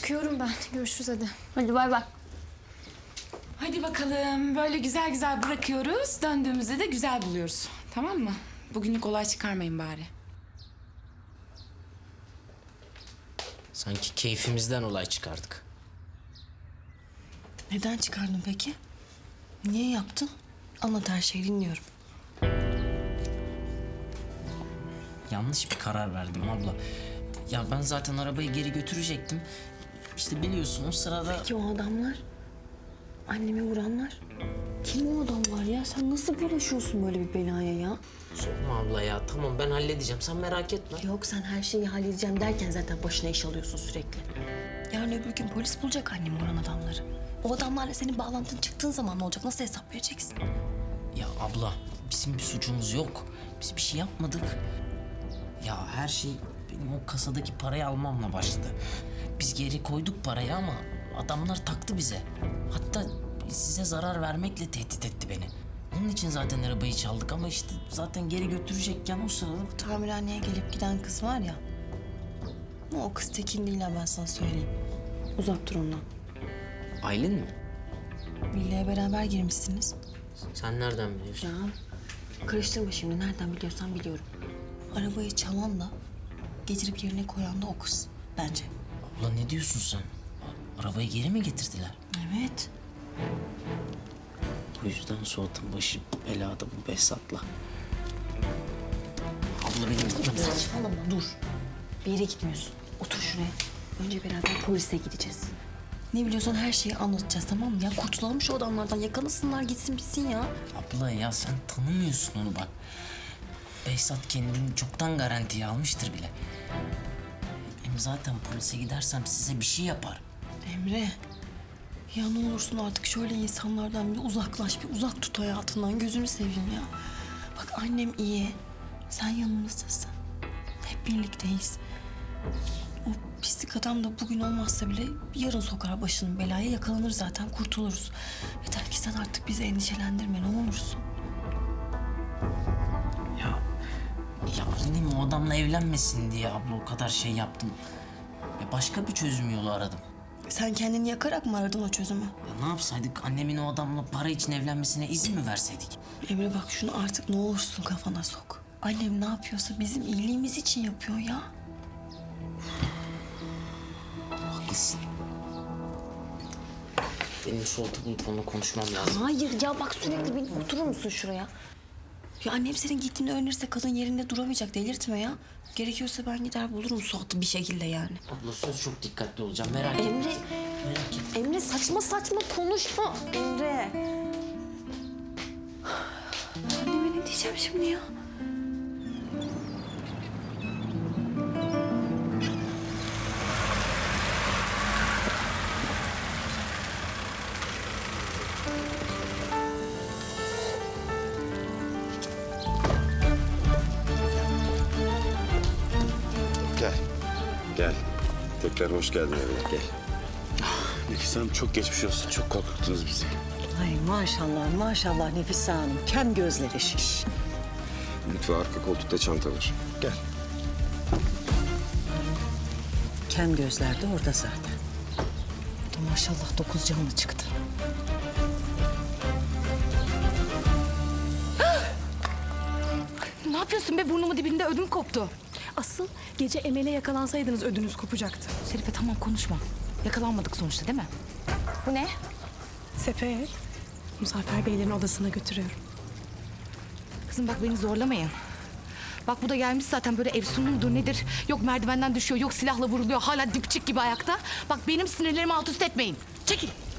Çıkıyorum ben. Görüşürüz hadi. Hadi bay bay. Hadi bakalım. Böyle güzel güzel bırakıyoruz. Döndüğümüzde de güzel buluyoruz. Tamam mı? Bugünlük olay çıkarmayın bari. Sanki keyfimizden olay çıkardık. Neden çıkardın peki? Niye yaptın? Anlat, her şeyi dinliyorum. Yanlış bir karar verdim abla. Ya ben zaten arabayı geri götürecektim. İşte biliyorsun o sırada... Peki o adamlar? Annemi vuranlar? Kim o adamlar ya? Sen nasıl bulaşıyorsun böyle bir belaya ya? Sorma abla ya, tamam ben halledeceğim, sen merak etme. Yok, sen her şeyi halledeceğim derken zaten başına iş alıyorsun sürekli. Yarın öbür gün polis bulacak annemi vuran adamları. O adamlarla senin bağlantın çıktığın zaman ne olacak? Nasıl hesap vereceksin? Ya abla, bizim bir suçumuz yok. Biz bir şey yapmadık. Ya her şey benim o kasadaki parayı almamla başladı. Biz geri koyduk parayı ama adamlar taktı bize. Hatta size zarar vermekle tehdit etti beni. Onun için zaten arabayı çaldık ama işte zaten geri götürecekken o sırada... Tamirhaneye gelip giden kız var ya. O kız Tekin değil ha, ben sana söyleyeyim. Uzak dur ondan. Aylin mi? Villaya beraber girmişsiniz. Sen nereden biliyorsun? Ya karıştırma şimdi, nereden biliyorsan biliyorum. Arabayı çalanla getirip yerine koyan da o kız bence. Abla ne diyorsun sen? Arabayı geri mi getirdiler? Evet. Bu yüzden Suat'ın başı belada bu Behzat'la. Abla benim gitmem lazım. Saçmalama, dur. Bir yere gitmiyorsun. Otur şuraya. Önce beraber polise gideceğiz. Ne biliyorsan her şeyi anlatacağız, tamam mı? Ya kurtulalım şu adamlardan, yakalasınlar gitsin bitsin ya. Abla ya sen tanımıyorsun onu bak. Behzat kendini çoktan garantiye almıştır bile. Hem zaten polise gidersem size bir şey yapar. Emre, ya ne olursun artık şöyle insanlardan bir uzaklaş, bir uzak tut hayatından. Gözünü seveyim ya. Bak annem iyi, sen yanımızdasın. Hep birlikteyiz. O pislik adam da bugün olmazsa bile yarın sokar başını belaya, yakalanır zaten, kurtuluruz. Yeter ki sen artık bizi endişelendirme, ne olursun. Ya annem o adamla evlenmesin diye abla o kadar şey yaptım. Ya başka bir çözüm yolu aradım. Sen kendini yakarak mı aradın o çözümü? Ya ne yapsaydık, annemin o adamla para için evlenmesine izin mi verseydik? Emre bak, şunu artık ne olursun kafana sok. Annem ne yapıyorsa bizim iyiliğimiz için yapıyor ya. Haklısın. Benim Suat'ı bulup onunla konuşmam lazım. Hayır ya, bak sürekli beni oturur musun şuraya? Ya annem senin gittiğini öğrenirse kadın yerinde duramayacak, delirtme ya. Gerekiyorsa ben gider bulurum Suat'ı bir şekilde yani. Abla söz, çok dikkatli olacağım, merak etme. Emre, Merak etme. Emre saçma saçma konuşma. Emre. Anneme ne diyeceğim şimdi ya? Gel. Gel. Tekrar hoş geldin evine. Gel. Nefise Hanım çok geçmiş olsun. Çok korkuttunuz bizi. Ay maşallah maşallah Nefise Hanım. Kem gözleri şiş. Lütfü arka koltukta çanta var. Gel. Kem gözler de orada zaten. O da maşallah 9 canlı çıktı. Ne yapıyorsun be, burnumun dibinde ödüm koptu. Asıl gece Emel'e yakalansaydınız ödünüz kopacaktı. Şerife tamam konuşma. Yakalanmadık sonuçta değil mi? Bu ne? Sepet. Muzaffer Beylerin odasına götürüyorum. Kızım bak beni zorlamayın. Bak bu da gelmiş zaten, böyle efsunlu mudur nedir? Yok merdivenden düşüyor, yok silahla vuruluyor, hala dipçik gibi ayakta. Bak benim sinirlerimi alt üst etmeyin. Çekil.